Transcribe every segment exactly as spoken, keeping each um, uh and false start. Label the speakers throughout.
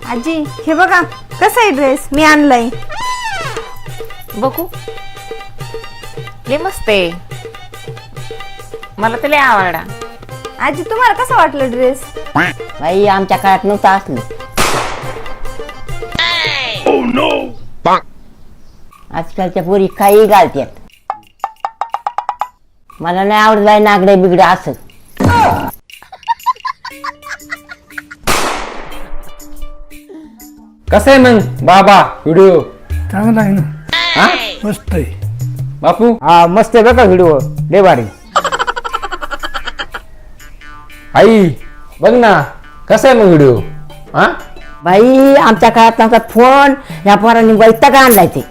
Speaker 1: आजी हे बघा कसा आहे ड्रेस मी आणलाय
Speaker 2: बघू लय मस्त आहे मला तर लय आवडला
Speaker 1: आजी तुम्हाला कसं वाटलं ड्रेस
Speaker 3: बाई आमच्या काळात नव्हतं असलं आजकालच्या पोरी काही घालतात मला नाही आवडत बाई नागडे बिगडे असं
Speaker 4: कसं आहे मग बाबा व्हिडिओ
Speaker 5: चांगला आहे ना
Speaker 4: हा
Speaker 5: मस्त आहे
Speaker 4: बापू
Speaker 6: हा मस्त आहे बघा व्हिडिओ लय भारी
Speaker 4: आई बघ ना कसा आहे मग व्हिडिओ हा
Speaker 3: बाई आमच्या काळात नव्हता फोन या पोरांनी वैताग आणलाय ते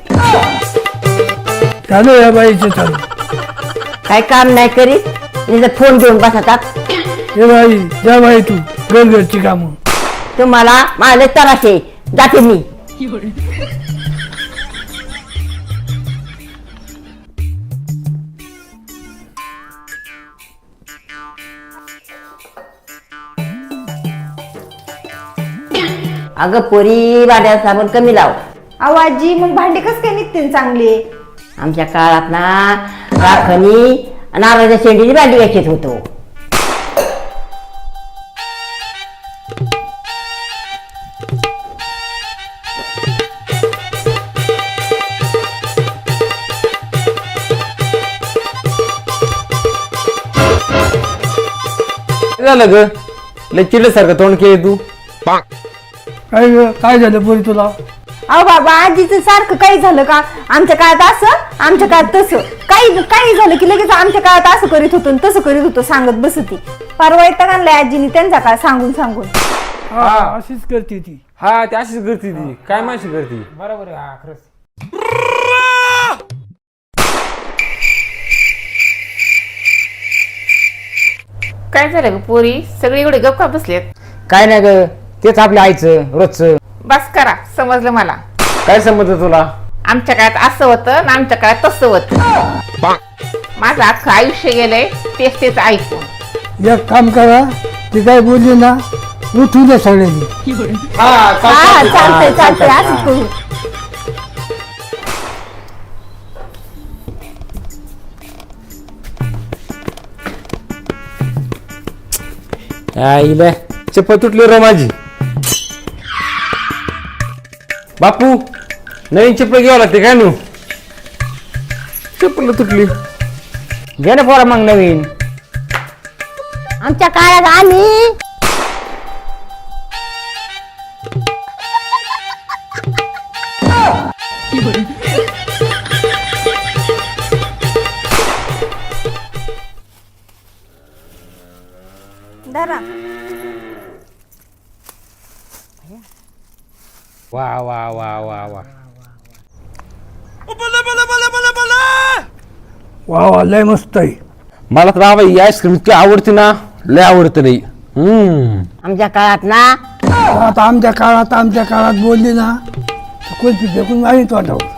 Speaker 5: चालू या बाईचं चालू
Speaker 3: काही काम नाही करीत तिथं फोन घेऊन बसतात
Speaker 5: हे बाई जा बाई तू घरघरची कामं
Speaker 3: तुम्हाला माझे तराशे जाते मी अगं पोरी भांड्या साबण कमी लाव
Speaker 1: अहो आजी मग भांडे कस काय निघतील चांगले
Speaker 3: आमच्या काळात ना राखणी नारळाच्या शेंडीची भांडी घ्यायची होतो
Speaker 4: काय झालं ग लय चिडल्यासारखं तोंड केलं तू
Speaker 5: काय ग, काय झालं पोरी तुला
Speaker 1: अहो बाबा आजीचं सारखं काही झालं का आमच्या काळात असं आमच्या काळात तसं काही काही झालं की लगेच आमच्या काळात असं करीत होतो आणि तसं करीत होतो सांगत बसती परवा येतात आणलाय आजीने त्यांचा काळ सांगून सांगून
Speaker 5: हा अशीच करते ती
Speaker 4: हा ती अशीच करते ती काय माशी करते
Speaker 6: बरोबर आहे हा खरंच
Speaker 2: काय झालं ग पोरी सगळी एवढे गप्पा बसलेत
Speaker 6: काय नाही ग तेच आपल्या आईचं रोजचं
Speaker 2: बस करा समजलं मला
Speaker 4: काय समजलं तुला
Speaker 2: आमच्या काळात असं होतं आणि आमच्या काळात तसं होतं माझं अख्खं आयुष्य गेलंय तेच तेच ऐकून
Speaker 5: एक काम करा ती काय बोलली ना उठू दे सगळ्यांनी
Speaker 4: हा
Speaker 1: हा चालतंय चालतंय असंच करू
Speaker 4: आईला चप्पल तुटली रो माझी बापू नवीन चप्पल घ्यावं लागते काय नू चप्पल तुटली
Speaker 6: घे ना पोरा मग नवीन
Speaker 3: आमच्या काळात आम्ही
Speaker 1: धरा
Speaker 4: वा वा वा वा वा
Speaker 5: वा वा लय मस्त आहे
Speaker 4: मला तर बाबा ही आईस्क्रीम इतकी आवडते ना लय आवडते नाही हम्म
Speaker 3: आमच्या काळात ना
Speaker 5: आता आमच्या काळात आमच्या काळात बोलली ना तर कुल्फी फेकून मारित वाटावं